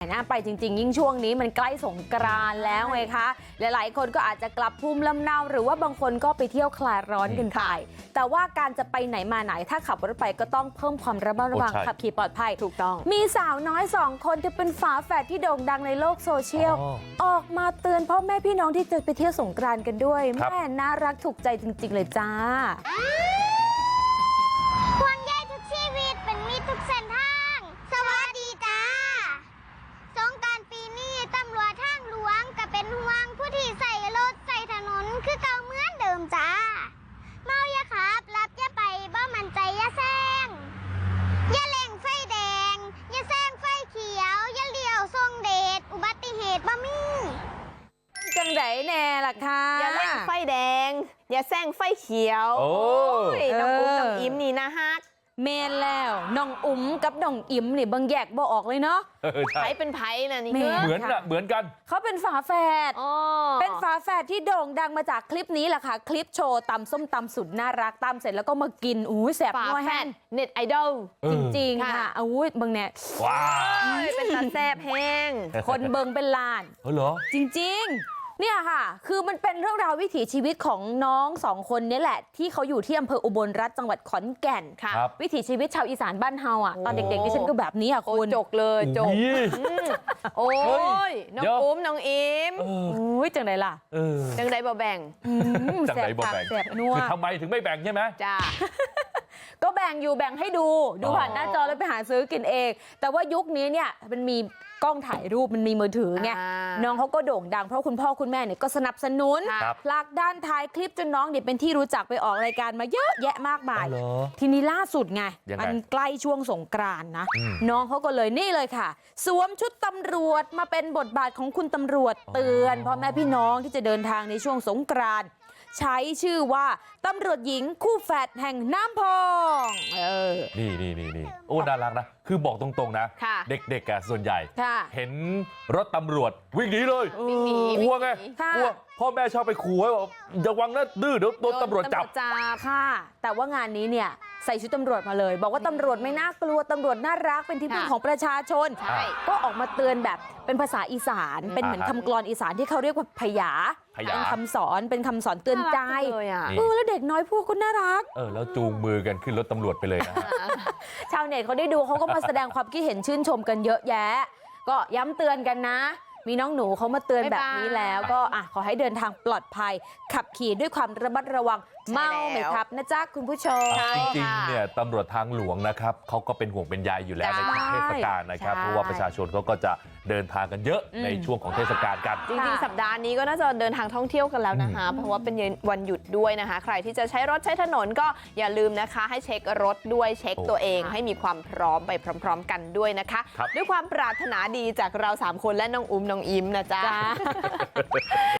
น่าไปจริงๆยิ่งช่วงนี้มันใกล้สงกรานต์แล้วไงคะหลายๆคนก็อาจจะกลับภูมิลำเนาหรือว่าบางคนก็ไปเที่ยวคลายร้อนกันไปแต่ว่าการจะไปไหนมาไหนถ้าขับรถไปก็ต้องเพิ่มความระมัดระวังขับขี่ปลอดภัยถูกต้องมีสาวน้อย2 คนที่เป็นฝาแฝดที่โด่งดังในโลกโซเชียลออกมาเตือนพ่อแม่พี่น้องที่จะไปเที่ยวสงกรานต์กันด้วยแม่น่ารักถูกใจจริงๆเลยจ้าห่วงใยทุกชีวิตเป็นมิตรทุกเส้นทางสวัสดีจ้าสงกรานต์ปีนี้ตำรวจทางหลวงก็เป็นห่วงผู้ที่ใส่รถใส่ถนนคือเก่าเหมือนเดิมจ้าเมาอย่าขับรับอย่าไปบ่มั่นใจอย่าแซงอย่าเล่งไฟแดงอย่าแซงไฟเขียวอย่าเลี้ยวทรงเดชอุบัติเหตุบ่มีจังไดแน่ล่ะค่ะอย่าเล่นไฟแดงอย่าแซงไฟเขียวโอ้ยน้องอุ้มน้องอิมนี่นะฮักเมนแล้วน้องอุ๋มกับน้องอิ๋มนี่บางแยกบ่ออกเลยเนาะไผเป็นไผนะนี่เหมือนนะเหมือนกันเขาเป็นฝาแฝดเป็นฝาแฝดที่โด่งดังมาจากคลิปนี้แหละค่ะคลิปโชว์ตำส้มตำสุดน่ารักตำเสร็จแล้วก็มากินอู้แสบนัวแห้งเน็ตไอดอลจริงๆค่ะอู้บางเนี่ยว้าวเป็นตาแซบแห้งคนเบิงเป็นล้านเหรอจริงๆเนี่ยค่ะคือมันเป็นเรื่องราววิถีชีวิตของน้อง2 คนนี้แหละที่เขาอยู่ที่อำเภออุบลรัตน์จังหวัดขอนแก่นค่ะวิถีชีวิตชาวอีสานบ้านเฮาอ่ะตอนเด็กๆดิฉันก็แบบนี้อ่ะคุณจกเลยจกโอ้ยน้องอุ้มน้องอิมอุ้ยจังไดล่ะจังไดบ่แบ่งจังไดบ่แบ่งแสบนัวคือทำไมถึงไม่แบ่งใช่ไหมจ้าก็แบ่งอยู่แบ่งให้ดูผ่านหน้าจอแล้วไปหาซื้อกินเองแต่ว่ายุคนี้เนี่ยมันมีกล้องถ่ายรูปมันมีมือถือไงน้องเขาก็โด่งดังเพราะคุณพ่อคุณแม่เนี่ยก็สนับสนุนผลักดันถ่ายคลิปจนน้องเนี่ยเป็นที่รู้จักไปออกรายการมาเยอะแยะมากมายทีนี้ล่าสุดไงมันใกล้ช่วงสงกรานต์นะน้องเขาก็เลยนี่เลยค่ะสวมชุดตำรวจมาเป็นบทบาทของคุณตำรวจเตือนพ่อแม่พี่น้องที่จะเดินทางในช่วงสงกรานต์ใช้ชื่อว่าตำรวจหญิงคู่แฝดแห่งน้ำพองนี่โอ้น่ารักนะคือบอกตรงๆนะเด็กๆส่วนใหญ่เห็นรถตำรวจวิ่งหนีเลยกลัวไงกลัวพ่อแม่ชอบไปขู่ไว้บอกอย่าวังนะดื้อเดี๋ยวโดนตำรวจจับค่ะแต่ว่างานนี้เนี่ยใส่ชุดตำรวจมาเลยบอกว่าตำรวจไม่น่ากลัวตำรวจน่ารักเป็นที่พึ่งของประชาชนก็ออกมาเตือนแบบเป็นภาษาอีสานเป็นเหมือนคำกลอนอีสานที่เขาเรียกว่าพยาเป็นคำสอนเตือนใจแล้วเด็กน้อยพวกก็น่ารักแล้วจูงมือกันขึ้นรถตำรวจไปเลยนะชาวเน็ตเขาได้ดูเขาก็มาแสดงความคิดเห็นชื่นชมกันเยอะแยะก็ย้ำเตือนกันนะมีน้องหนูเขามาเตือนแบบนี้แล้วก็ขอให้เดินทางปลอดภัยขับขี่ด้วยความระมัดระวังเมาไม่ขับนะจ๊ะคุณผู้ชมจริงๆเนี่ยตำรวจทางหลวงนะครับเขาก็เป็นห่วงเป็นใยอยู่แล้วในช่วงเทศกาลนะครับเพราะว่าประชาชนเขาก็จะเดินทางกันเยอะในช่วงของเทศกาลกันจริงๆสัปดาห์นี้ก็น่าจะเดินทางท่องเที่ยวกันแล้วนะคะเพราะว่าเป็นวันหยุดด้วยนะคะใครที่จะใช้รถใช้ถนนก็อย่าลืมนะคะให้เช็ครถด้วยเช็คตัวเองให้มีความพร้อมไปพร้อมๆกันด้วยนะคะด้วยความปรารถนาดีจากเรา3 คนและน้องอุ้มน้องอิมนะจ๊ะ